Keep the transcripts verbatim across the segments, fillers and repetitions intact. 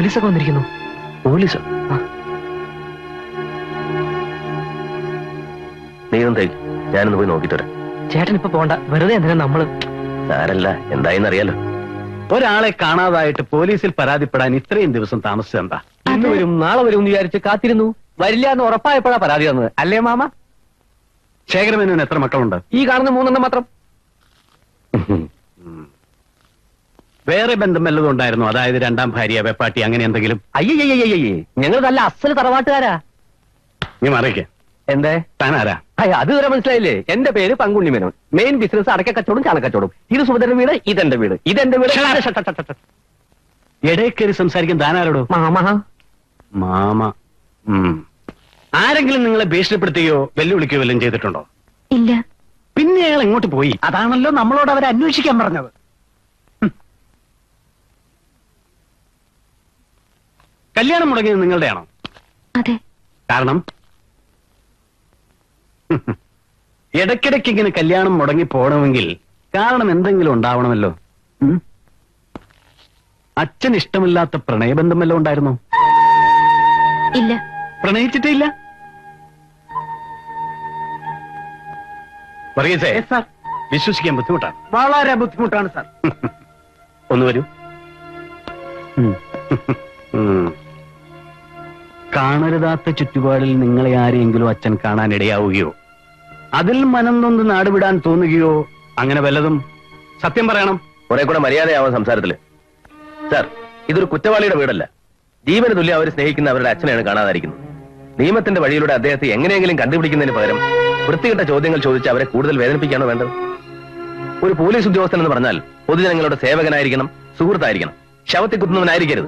പോലീസൊക്കെ വന്നിരിക്കുന്നു. പോലീസോ? നീ എന്തായി? ഞാനൊന്ന് പോയി നോക്കിട്ട് വരാം. ചേട്ടൻ ഇപ്പൊ പോണ്ട, വെറുതെ എന്തിനാ നമ്മള്. സാരല്ല, എന്തായെന്നറിയാലോ. ഒരാളെ കാണാതായിട്ട് പോലീസിൽ പരാതിപ്പെടാൻ ഇത്രയും ദിവസം താമസിച്ചെന്താ? ഇന്ന് വരും നാളെ വരും എന്ന് വിചാരിച്ച് കാത്തിരുന്നു. വരില്ല എന്ന് ഉറപ്പായപ്പോഴാ പരാതി തന്നത്, അല്ലേ മാമ? ശേഖരമേനോന് എത്ര മക്കളുണ്ട്? ഈ കാണുന്ന മൂന്നെണ്ണം മാത്രം. വേറെ ബന്ധം വല്ലതും ഉണ്ടായിരുന്നു? അതായത് രണ്ടാം ഭാര്യ, വെപ്പാട്ടി, അങ്ങനെ എന്തെങ്കിലും? അയ്യയ്യയ്യേ, ഞങ്ങൾ നല്ല അസല് തറവാട്ടുകാരാ. നീ മറിയിക്കേ. എന്തേ? താനാരാ? അയ്യ, അത് വരെ മനസ്സിലായില്ലേ? എന്റെ പേര് പങ്കുണ്ണി മേനോൻ. മെയിൻ ബിസിനസ് അടക്ക കച്ചവടം, ചാണകച്ചവടം. ഇത് സുഭദ്രന്റെ വീട്, ഇതെന്റെ വീട്. ഇതെന്റെ വീട്. ഇടയിൽ കയറി സംസാരിക്കാൻ താനാരോടോ? മാമ. മാമ. ഉം. ആരെങ്കിലും നിങ്ങളെ ഭീഷണിപ്പെടുത്തുകയോ വെല്ലുവിളിക്കുകയോ വല്ലതും ചെയ്തിട്ടുണ്ടോ? ഇല്ല. പിന്നെ അയാൾ എങ്ങോട്ട് പോയി? അതാണല്ലോ നമ്മളോട് അവരെ അന്വേഷിക്കാൻ പറഞ്ഞത്. കല്യാണം മുടങ്ങിയത് നിങ്ങളുടെയാണോ? അതെ. കാരണം? ഇടയ്ക്കിടയ്ക്ക് ഇങ്ങനെ കല്യാണം മുടങ്ങി പോകണമെങ്കിൽ കാരണം എന്തെങ്കിലും ഉണ്ടാവണമല്ലോ. അച്ഛൻ ഇഷ്ടമില്ലാത്ത പ്രണയബന്ധം വല്ലതും ഉണ്ടായിരുന്നോ? ഇല്ല. പ്രണയിച്ചിട്ടേ ഇല്ല? പറയസേ സാർ, വിശ്വസിക്കാൻ ബുദ്ധിമുട്ടാണ്. വളരെ ബുദ്ധിമുട്ടാണ് സാർ. ഒന്ന് വരൂ. കാണരുതാത്ത ചുറ്റുപാടിൽ നിങ്ങളെ ആരെയെങ്കിലും അച്ഛൻ കാണാൻ ഇടയാവുകയോ അതിൽ മനം നൊന്ന് നാടുവിടാൻ തോന്നുകയോ അങ്ങനെ വല്ലതും? സത്യം പറയണം. കുറെ കൂടെ മര്യാദയാവാൻ സംസാരത്തില്. സാർ, ഇതൊരു കുറ്റവാളിയുടെ വീടല്ല. ജീവന് തുല്യം അവർ സ്നേഹിക്കുന്ന അവരുടെ അച്ഛനെയാണ് കാണാതായിരിക്കുന്നത്. നിയമത്തിന്റെ വഴിയിലൂടെ അദ്ദേഹത്തെ എങ്ങനെയെങ്കിലും കണ്ടുപിടിക്കുന്നതിന് പകരം വൃത്തികെട്ട ചോദ്യങ്ങൾ ചോദിച്ച് അവരെ കൂടുതൽ വേദനിപ്പിക്കാണോ വേണ്ടത്? ഒരു പോലീസ് ഉദ്യോഗസ്ഥൻ എന്ന് പറഞ്ഞാൽ പൊതുജനങ്ങളുടെ സേവകനായിരിക്കണം, സുഹൃത്തായിരിക്കണം, ശവത്തെ കുത്തുന്നവനായിരിക്കരുത്.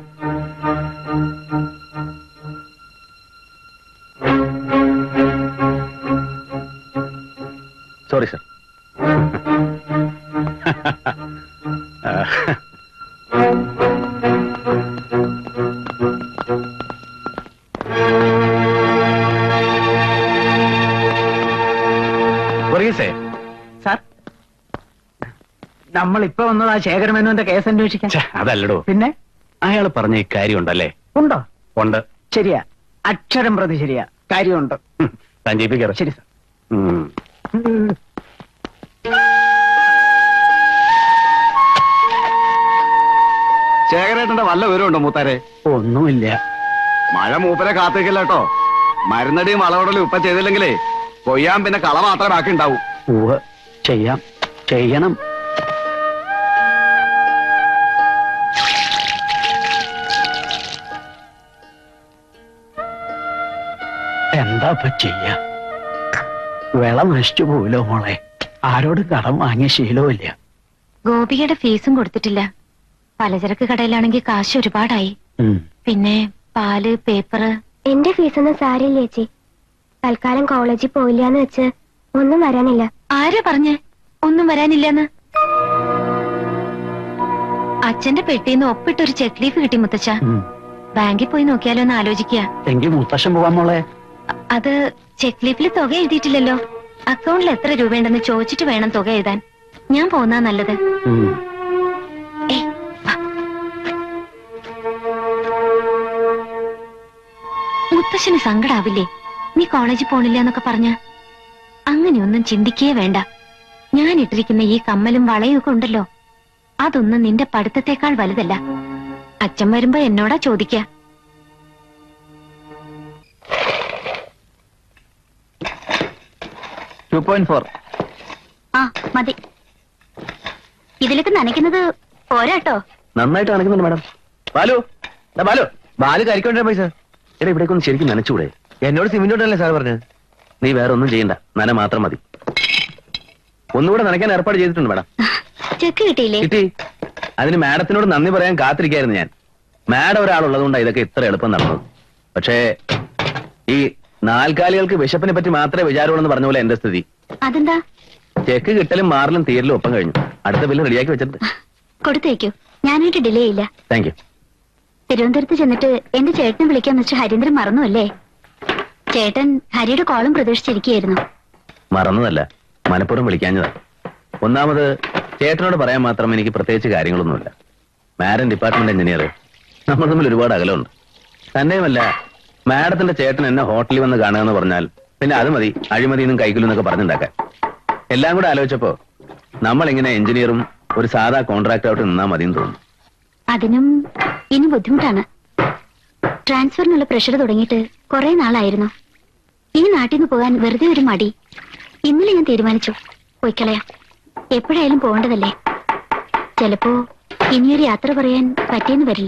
Sorry sir. സാർ, നമ്മളിപ്പോ വന്നതാ ശേഖരമേനോന്റെ കേസ് അന്വേഷിക്കാൻ. അതല്ലടോ. പിന്നെ അയാൾ പറഞ്ഞ ഈ കാര്യം ഉണ്ടല്ലേ? ഉണ്ടോ? ഉണ്ട്. ശരിയാ, അക്ഷരം പ്രതി ശരിയാ, കാര്യമുണ്ട്. താൻ ജയിപ്പിക്കാറ്. ശരി സാർ. ശേഖരേട്ടന്റെ വല്ല വിവരമുണ്ടോ മൂത്താരെ? ഒന്നുമില്ല. മഴ മൂപ്പരെ കാത്തേക്കില്ല കേട്ടോ. മരുന്നടിയും വളവടലും ഇപ്പൊ ചെയ്തില്ലെങ്കിലേ കൊയ്യാൻ പിന്നെ കള മാത്രമേ ബാക്കി ഉണ്ടാവൂ. ഉവ്വ്, ചെയ്യാം, ചെയ്യണം. എന്താ ഇപ്പൊ ചെയ്യാ? വിള നശിച്ചു പോലോ മോളെ. ആരോട് കടം വാങ്ങിയ ശീലവുമില്ല. ഗോപികയുടെ ഫീസും കൊടുത്തിട്ടില്ല. പലചരക്ക് കടയിലാണെങ്കിൽ കാശ് ഒരുപാടായി. പിന്നെ പാല്, പേപ്പറ്. എന്റെ ഫീസൊന്നും സാരില്ല ചേച്ചി. തൽക്കാലം കോളേജിൽ പോയില്ലാന്ന് വെച്ച് ഒന്നും വരാനില്ല. ആരാ പറഞ്ഞേ ഒന്നും വരാനില്ലെന്ന്? അച്ഛന്റെ പെട്ടിന്ന് ഒപ്പിട്ടൊരു ചെക്ക് ലീഫ് കിട്ടി മുത്തച്ഛ. ബാങ്കിൽ പോയി നോക്കിയാലോ എന്ന് ആലോചിക്കുക. എങ്കിൽ മുത്തശ്ശൻ പോവാൻ മോളെ. അത് ചെക്ക് ലീഫിൽ തുക എഴുതിയിട്ടില്ലല്ലോ. അക്കൗണ്ടിൽ എത്ര രൂപയുണ്ടെന്ന് ചോദിച്ചിട്ട് വേണം തുക എഴുതാൻ. ഞാൻ പോന്നാ നല്ലത്. മുത്തശ്ശന് സങ്കടാവില്ലേ നീ കോളേജിൽ പോണില്ല എന്നൊക്കെ പറഞ്ഞ? അങ്ങനെയൊന്നും ചിന്തിക്കേ വേണ്ട. ഞാൻ ഇട്ടിരിക്കുന്ന ഈ കമ്മലും വളയും ഒക്കെ ഉണ്ടല്ലോ, അതൊന്നും നിന്റെ പഠിത്തത്തെക്കാൾ വലുതല്ല. അച്ഛൻ വരുമ്പോ എന്നോടാ ചോദിക്ക. Two point four. ആ മതി. ഇതിലേക്ക് നനയ്ക്കുന്നത് പോരാട്ടോ. നന്നായിട്ട് നനയ്ക്കുന്നുണ്ട് മാഡം. ബാലു, ബാലു, ബാലു കരിക്കൊണ്ടേ പൈസ. എടാ, ഇവിടേക്കൊന്ന് ശരിക്കും നനച്ചൂടെ? എന്നോട് സിമെന്റോട്ടല്ലേ സാർ പറഞ്ഞത്? നീ വേറെ ഒന്നും ചെയ്യണ്ട, നന മാത്രം മതി. ഒന്നുകൂടെ നനയ്ക്കാൻ ഏർപ്പാട് ചെയ്തിട്ടുണ്ട് മാഡം. ചെക്ക് കിട്ടിയില്ലേ? കിട്ടി. അതിന് മാഡത്തിനോട് നന്ദി പറയാൻ കാത്തിരിക്കായിരുന്നു ഞാൻ. മാഡം ഒരാളുള്ളതുകൊണ്ടാണ് ഇതൊക്കെ ഇത്ര എളുപ്പം നടന്നത്. പക്ഷേ ഈ നാൽക്കാലികൾക്ക് വിശപ്പിനെ പറ്റി മാത്രമേ വിചാരമുള്ളൂ എന്ന് പറഞ്ഞ പോലെ എന്റെ സ്ഥിതി. അതെന്താ? ചെക്ക് കിട്ടലും മാറലും തീരലും ഒപ്പം കഴിഞ്ഞു. അടുത്ത ബില്ല് റെഡിയാക്കി വെച്ചിട്ടുണ്ട്. കൊടുത്തേക്കൂ, ഞാനായിട്ട് ഡിലേ ഇല്ല. Thank you. തിരുവനന്തപുരത്ത് ചെന്നിട്ട് എന്റെ ചേട്ടനെ വിളിക്കാൻ മിസ്റ്റർ ഹരീന്ദ്രൻ മറന്നു അല്ലേ? ചേട്ടൻ ഹരിയുടെ കോളും പ്രതീക്ഷിച്ചിരിക്കുകയായിരുന്നു. മറന്നതല്ല, മനഃപൂർവ്വം വിളിക്കാഞ്ഞതാ. ഒന്നാമത് ചേട്ടനോട് പറയാൻ മാത്രം എനിക്ക് പ്രത്യേകിച്ച് കാര്യങ്ങളൊന്നുമില്ല. മാരൻ ഡിപ്പാർട്ട്മെന്റ് എഞ്ചിനീയർ, നമ്മൾ തമ്മിൽ ഒരുപാട് അകലമുണ്ട്. തന്നെയുമല്ല, മാഡത്തിന്റെ ചേട്ടൻ എന്നെ ഹോട്ടലിൽ വന്ന് കാണുക എന്ന് പറഞ്ഞാൽ പിന്നെ അത് മതി അഴിമതിന്നും കൈക്കൂലും എന്നൊക്കെ പറഞ്ഞുണ്ടാക്കാൻ. എല്ലാം കൂടെ ആലോചിച്ചപ്പോ നമ്മൾ ഇങ്ങനെ എഞ്ചിനീയറും ഒരു സാധാ കോൺട്രാക്ടറായിട്ട് നിന്നാ മതിയെന്ന് തോന്നുന്നു. അതിനും ഇനി ബുദ്ധിമുട്ടാണ്. ട്രാൻസ്ഫറിനുള്ള പ്രഷർ തുടങ്ങിയിട്ട് കുറെ നാളായിരുന്നു. ഈ നാട്ടിൽ നിന്ന് പോകാൻ വെറുതെ ഒരു മടി. ഇന്നലെ ഞാൻ തീരുമാനിച്ചു, പോയിക്കളയാം. എപ്പോഴായാലും പോകേണ്ടതല്ലേ. ചിലപ്പോ ഇനിയൊരു യാത്ര പറയാൻ പറ്റിയെന്ന് വരില്ല.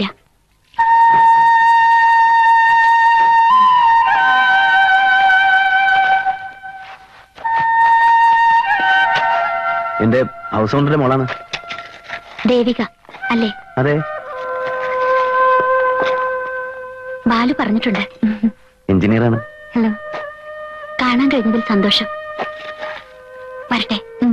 എന്റെ ഹൗസ് ഓണറിന്റെ മോളാണ്. ദേവിക അല്ലേ? അതെ. ബാലു പറഞ്ഞിട്ടുണ്ട്. എഞ്ചിനീയറാണ്. ഹലോ, കാണാൻ കഴിഞ്ഞതിൽ സന്തോഷം. വരട്ടെ. ഉം.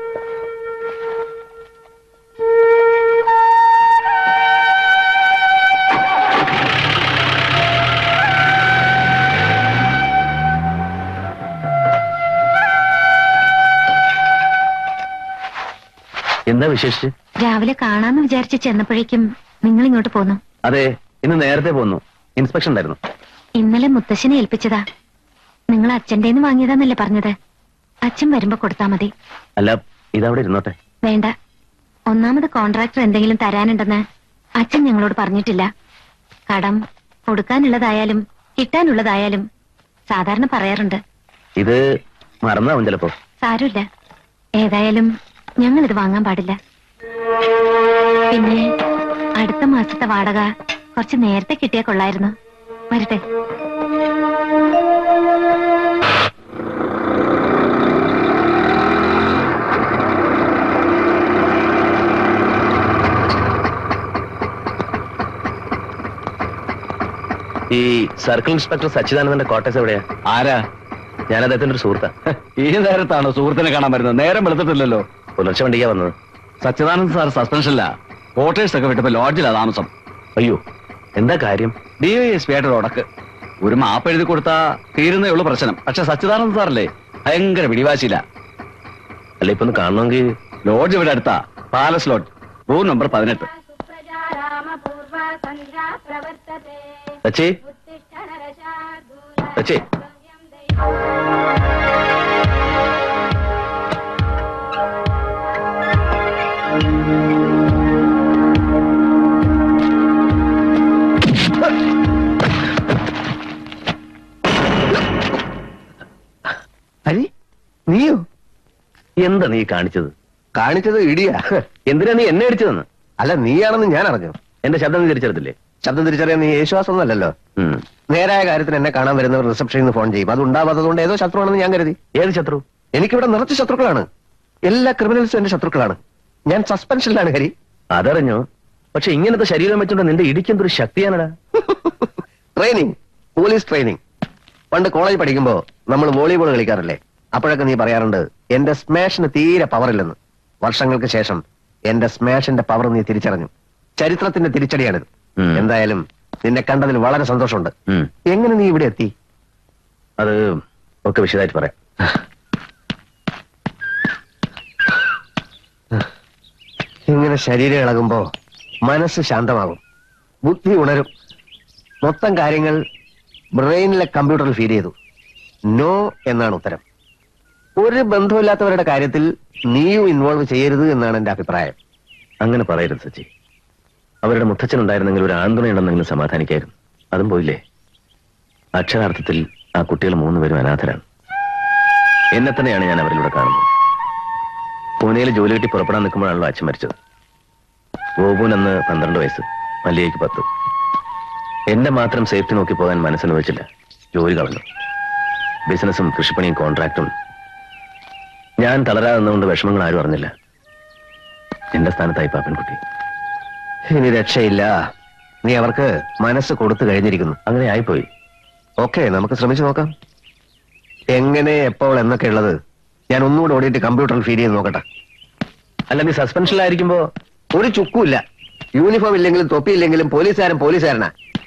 എന്താ വിശേഷിച്ച്? രാവിലെ കാണാന്ന് വിചാരിച്ച് ചെന്നപ്പോഴേക്കും നിങ്ങൾ ഇങ്ങോട്ട് പോന്നു. അതെ, ഇന്ന് നേരത്തെ പോന്നു. ഇൻസ്പെക്ഷൻ ഉണ്ടായിരുന്നു. ഇന്നലെ മുത്തശ്ശനെ ഏൽപ്പിച്ചതാ. നിങ്ങൾ അച്ഛൻ്റെന്ന് വാങ്ങിയതാന്നല്ലേ പറഞ്ഞത്? അച്ഛൻ വരുമ്പോ കൊടുത്താ മതി. അല്ല, ഇതവിടെ ഇരുന്നോട്ടെ. വേണ്ട. ഒന്നാമത് കോൺട്രാക്ടർ എന്തെങ്കിലും തരാനുണ്ടെന്ന് അച്ഛൻ ഞങ്ങളോട് പറഞ്ഞിട്ടില്ല. കടം കൊടുക്കാനുള്ളതായാലും കിട്ടാനുള്ളതായാലും സാധാരണ പറയാറുണ്ട്. ഇത് മറന്നാവും ചിലപ്പോ. സാരമില്ല. ഏതായാലും ഞങ്ങൾ ഇത് വാങ്ങാൻ പാടില്ല. പിന്നെ അടുത്ത മാസത്തെ വാടക കുറച്ച് നേരത്തെ കിട്ടിയാ കൊള്ളായിരുന്നു. വരട്ടെ. ഈ സർക്കിൾ ഇൻസ്പെക്ടർ സച്ചിദാനന്ദന്റെ ക്വാർട്ടേഴ്സ് എവിടെയാ? ആരാ? ഞാൻ അദ്ദേഹത്തിന്റെ ഒരു സുഹൃത്താ. ഈ നേരത്താണോ സുഹൃത്തിനെ കാണാൻ വരുന്നത്? നേരം വെളുത്തിട്ടില്ലല്ലോ. പുലർച്ചെ വണ്ടിക്കാ വന്നത്. സച്ചിദാനന്ദ് സാർ സസ്പെൻഷനില്ല. ക്വാർട്ടേഴ്സ് ഒക്കെ വിട്ടപ്പോ ലോഡ്ജിലാ താമസം. അയ്യോ, എന്താ കാര്യം? ഡി വൈ എസ് പി ആയിട്ട് ഉടക്ക്. ഒരു മാപ്പ് എഴുതി കൊടുത്താ തീരുന്നേ ഉള്ളു പ്രശ്നം. പക്ഷെ സച്ചിദാനന്ദ് സാറല്ലേ ഭയങ്കര പിടിവാശിയില്ല. അല്ല, ഇപ്പൊ ഒന്ന് കാണണമെങ്കിൽ ലോഡ്ജ് ഇവിടെ അടുത്താ. പാലസ് ലോഡ്ജ്, റൂം നമ്പർ പതിനെട്ട്. സച്ചി, സച്ചി, ഹരി, നീയോ? എന്താ നീ കാണിച്ചത്? കാണിച്ചത് ഇടിയാ. എന്തിനാ നീ എന്നെ അടിച്ചതെന്ന്? അല്ല, നീയാണെന്ന് ഞാൻ അറിഞ്ഞു. എന്റെ ശബ്ദം നീ തിരിച്ചെടുത്തില്ലേ? ശബ്ദം തിരിച്ചറിയാൻ നീ യേശുവാസം അല്ലല്ലോ. ഉം. നേരായ കാര്യത്തിന് എന്നെ കാണാൻ വരുന്നവർ റിസപ്ഷനിൽ നിന്ന് ഫോൺ ചെയ്യും. അത് ഉണ്ടാവാത്തതുകൊണ്ട് ഏതോ ശത്രുവാണെന്ന് ഞാൻ കരുതി. ഏത് ശത്രു? എനിക്കിവിടെ നിറച്ച് ശത്രുക്കളാണ്. എല്ലാ ക്രിമിനൽസും എന്റെ ശത്രുക്കളാണ്. ഞാൻ സസ്പെൻഷനിലാണ് ഹരി. അതറിഞ്ഞു. പക്ഷെ ഇങ്ങനത്തെ ശരീരം വെച്ചോണ്ട് നിന്റെ ഇടിക്കെന്തൊരു ശക്തിയാണടാ. Training, police training. പണ്ട് കോളേജ് പഠിക്കുമ്പോ നമ്മൾ വോളിബോൾ കളിക്കാറില്ലേ? അപ്പോഴൊക്കെ നീ പറയാറുണ്ട് എന്റെ സ്മാഷിന് തീരെ പവറില്ലെന്ന്. വർഷങ്ങൾക്ക് ശേഷം എന്റെ സ്മാഷിന്റെ പവർ നീ തിരിച്ചറിഞ്ഞു. ചരിത്രത്തിന്റെ തിരിച്ചടിയാണിത്. ഉം. എന്തായാലും നിന്നെ കണ്ടതിൽ വളരെ സന്തോഷമുണ്ട്. ഉം. എങ്ങനെ നീ ഇവിടെ എത്തി? അത് ഒക്കെ വിശദമായിട്ട് പറയാം. ഇങ്ങനെ ശരീരം ഇളകുമ്പോ മനസ്സ് ശാന്തമാകും, ബുദ്ധി ഉണരും. മൊത്തം കാര്യങ്ങൾ ബ്രെയിനിലെ കമ്പ്യൂട്ടറിൽ ഫീഡ് ചെയ്തു. നോ എന്നാണ് ഉത്തരം. ഒരു ബന്ധമില്ലാത്തവരുടെ കാര്യത്തിൽ നീയും ഇൻവോൾവ് ചെയ്യരുത് എന്നാണ് എന്റെ അഭിപ്രായം. അങ്ങനെ പറയരുത് സച്ചി. അവരുടെ മുത്തച്ഛനുണ്ടായിരുന്നെങ്കിൽ ഒരു ആന്തുണയുണ്ടെന്നെങ്കിലും സമാധാനിക്കായിരുന്നു. അതും പോയില്ലേ. അക്ഷരാർത്ഥത്തിൽ ആ കുട്ടികൾ മൂന്നുപേരും അനാഥരാണ്. എന്നെ തന്നെയാണ് ഞാൻ അവരിലൂടെ കാണുന്നത്. പൂനെയിൽ ജോലി കിട്ടി പുറപ്പെടാൻ നിൽക്കുമ്പോഴാണല്ലോ അച്ഛൻ മരിച്ചത്. ഗോപുൻ അന്ന് പന്ത്രണ്ട് വയസ്സ്, മല്ലികയ്ക്ക് പത്ത്. എന്റെ മാത്രം സേഫ്റ്റി നോക്കി പോകാൻ മനസ്സിന് വെച്ചില്ല. ജോലി കളഞ്ഞു. ബിസിനസ്സും കൃഷിപ്പണിയും കോൺട്രാക്റ്റും. ഞാൻ തളരാതെ നിന്നുകൊണ്ട് വിഷമങ്ങൾ ആരും അറിഞ്ഞില്ല. എന്റെ സ്ഥാനത്തായി പാപ്പൻകുട്ടി. ഇനി രക്ഷയില്ല. നീ അവർക്ക് മനസ്സ് കൊടുത്തു കഴിഞ്ഞിരിക്കുന്നു. അങ്ങനെ ആയിപ്പോയി. ഓക്കെ, നമുക്ക് ശ്രമിച്ചു നോക്കാം. എങ്ങനെ, എപ്പോൾ എന്നൊക്കെ ഉള്ളത് ഞാൻ ഒന്നുകൂടെ ഓടിയിട്ട് കമ്പ്യൂട്ടറിൽ ഫീഡ് ചെയ്ത് നോക്കട്ടെ. അല്ല, നീ സസ്പെൻഷനിലായിരിക്കുമ്പോ ഒരു ചുക്കുമില്ല. യൂണിഫോം ഇല്ലെങ്കിലും തൊപ്പിയില്ലെങ്കിലും പോലീസുകാരൻ പോലീസുകാരനാ.